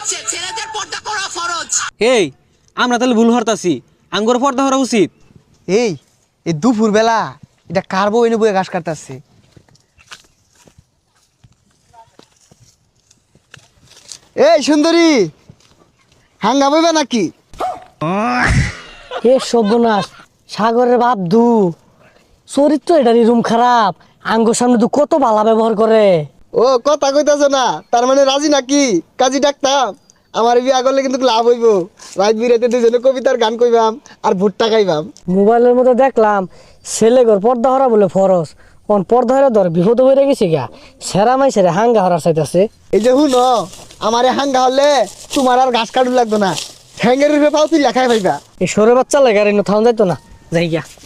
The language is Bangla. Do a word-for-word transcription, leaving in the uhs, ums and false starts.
ছেলেদের পর্দা করা ফরজ। এই আমরা তাহলে ভুল হরতাছি, আঙ্গুর পর্দা করা উচিত। এই এই দুপুর বেলা এটা কার বউ এনে বয়ে ঘাস কাটতেছে? এই সুন্দরী, হাঙ্গা বইবে নাকি? এ সর্বনাশ, সাগরের বাপ দু চরিত্র এটারই রুম খারাপ। আঙ্গুর সামনে দু কত বালা ব্যবহার করে। ও কথা কইতাছ না, তার মানে রাজি নাকি? কাজী ডাকতাম, আমার বিয়া করলে কিন্তু লাভ হইব। রাত বিরাতে দুজনে কবিতার গান কইবাম আর ভুট্টা খাইবাম। মোবাইলের মধ্যে দেখলাম ছেলে ঘর পর্দা হরা বলে ফরজ, কোন পর্দা হরা ধর বিপদ হয়ে গেছে গা। সেরা মাই সেরা হাঙ্গা হরার চাইতেছে। এই যে হুন, আমার হাঙ্গা হলে তোমার আর ঘাস কাটু লাগতো না, ঠ্যাঙ্গের রূপে পাও তুই লেখাই পাইবা। এই সরে বাচ্চা লাগে আর থাউন যাইতো না, যাই গিয়া।